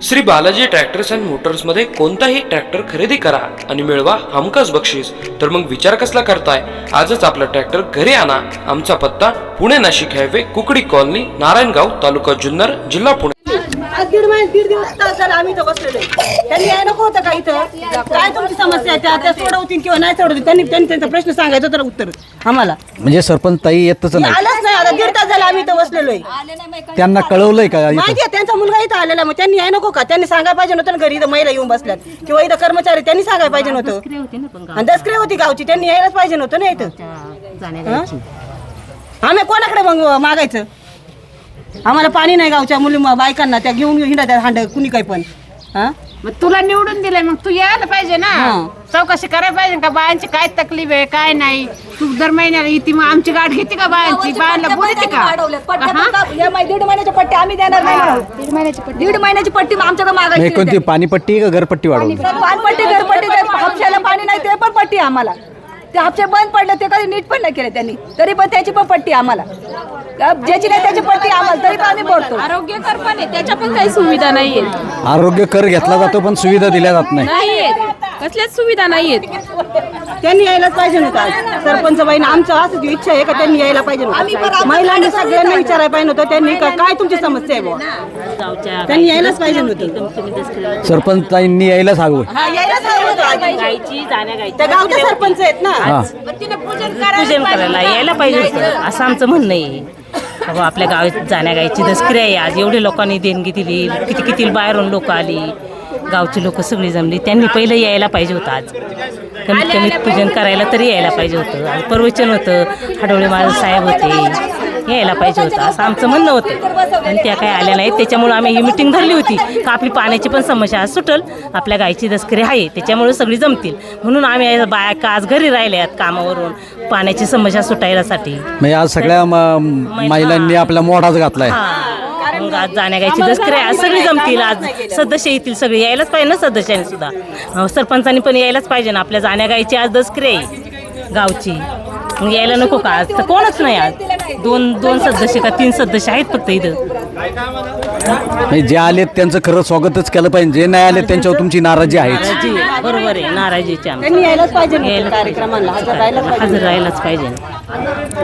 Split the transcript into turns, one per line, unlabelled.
Shri Balaji tractors and मोटर्समध्ये कोणताही tractor खरेदी करा आणि मिळवा हमखास बक्षीस. तर मग विचार कसला करताय? आजच आपला ट्रॅक्टर घरी आणा. आमचा पत्ता पुणे नाशिक हायवे, कुकडी कॉलनी, नारायणगाव, तालुका जुन्नर, जिल्हा पुणे.
दीड दिवस झाला आम्ही इथं बसलेलो. त्यांनी याय नको होतं का इथं? काय तुमची समस्या आहे? त्या सोडवतील किंवा नाही सोडवतील, त्यांनी त्यांचा प्रश्न सांगायचा तर उत्तर आम्हाला.
म्हणजे सरपंच ताई येतच नाही,
आलंच नाही. आता दीड तास झाला आम्ही इथं बसलेलोय.
त्यांना कळवलंय का इथं?
माहिती आहे त्यांचा मुलगा इथं आलेला, मग त्यांनी याय नको का? त्यांनी सांगायला पाहिजे नव्हतं ना घरी इथं महिला येऊन बसल्यात किंवा इथं कर्मचारी, त्यांनी सांगायला पाहिजे नव्हतं. आणि दसकरी होती गावची, त्यांनी यायलाच पाहिजे नव्हतं ना इथं. आम्ही कोणाकडे मग मागायचं? आम्हाला पाणी नाही गावच्या मुली बायकांना, त्या घेऊन हिंडा त्या हांड कुणी काही पण.
मग तुला निवडून दिलंय, मग तू यायला पाहिजे ना. चौकशी करायला पाहिजे का बायांची काय तकलीफ आहे काय नाही. तू दर महिन्याला येते, मग आमची गाठ घेते का बायांची? बायांना बोलते का?
दीड महिन्याची पट्टी आम्ही देणार नाही. दीड महिन्याची पट्टी आमच्याकडे मागायची.
कोणती पाणीपट्टी का घरपट्टी वाढवली?
पाणपट्टी घरपट्टी, हापशाला पाणी नाही ते पण पट्टी आम्हाला. ते हापशे बंद पडले, ते कधी नीट पण नाही केले त्यांनी, तरी पण त्याची पण पट्टी आम्हाला. ज्याची नाही त्याची पट्टी आम्हाला, तरी पण आम्ही बोलतो.
आरोग्य कर पण आहे, त्याच्या पण काही सुविधा नाहीये.
आरोग्य कर घेतला जातो पण सुविधा दिल्या जात नाही.
नाहीयेत, कसल्याच सुविधा नाहीयेत.
त्यांनी यायलाच पाहिजे नव्हतं. सरपंच बाईनं आमचं असं इच्छा आहे का त्यांनी यायला पाहिजे नव्हतं. महिलांनी सगळ्यांना विचारायला पाहिजे नव्हतं. त्यांनी काय तुमची समस्या आहे बुवा, त्यांनी यायलाच पाहिजे नव्हतं.
सरपंच ताईंनी यायलाच हवं.
यायलाच हवं होतं.
गायची जाण्या गायची
त्या गावचे सरपंच आहेत ना.
पूजन करायला यायला पाहिजे होतं, असं आमचं म्हणणं आहे. बाबा आपल्या गावात जाण्या गायची दसकरी आहे. आज एवढे लोकांनी देणगी दिली, किती किती बाहेरून लोक आली, गावची लोक सगळी जमली. त्यांनी पहिलं यायला पाहिजे होतं. आज कमीत कमी पूजन करायला तरी यायला पाहिजे होतं. आज प्रवचन होतं, हडवळे महाराज साहेब होते, यायला पाहिजे होतं असं आमचं म्हणणं होतं. आणि त्या काही आल्या नाहीत, त्याच्यामुळे आम्ही ही मिटिंग धरली होती का आपली पाण्याची पण समस्या आज सुटल. आपल्या गायची दसकरी आहे, त्याच्यामुळे सगळी जमतील म्हणून आम्ही बायका आज घरी राहिल्यात कामावरून, पाण्याची समस्या सुटायसाठी.
म्हणजे आज सगळ्या महिलांनी आपला मोठाच घातलाय.
मग आज जाण्या गायची दसकरी आज सगळी जमतील. आज सदस्य येतील, सगळे यायलाच पाहिजे ना. सदस्यांनी सुद्धा, सरपंचांनी पण यायलाच पाहिजे ना. आपल्या जाण्या गायची आज दसकरी आहे गावची, मग यायला नको का? आज तर कोणच नाही. आज दोन सदस्य का 3 सदस्य आहेत फक्त इथं.
जे आलेत त्यांचं खरं स्वागतच केलं पाहिजे. जे नाही आले त्यांच्यावर तुमची नाराजी आहे.
बरोबर आहे, नाराजीची
त्यांनी यायलाच पाहिजे कार्यक्रमाला हजर राहायलाच पाहिजे.
हजर राहायलाच पाहिजे.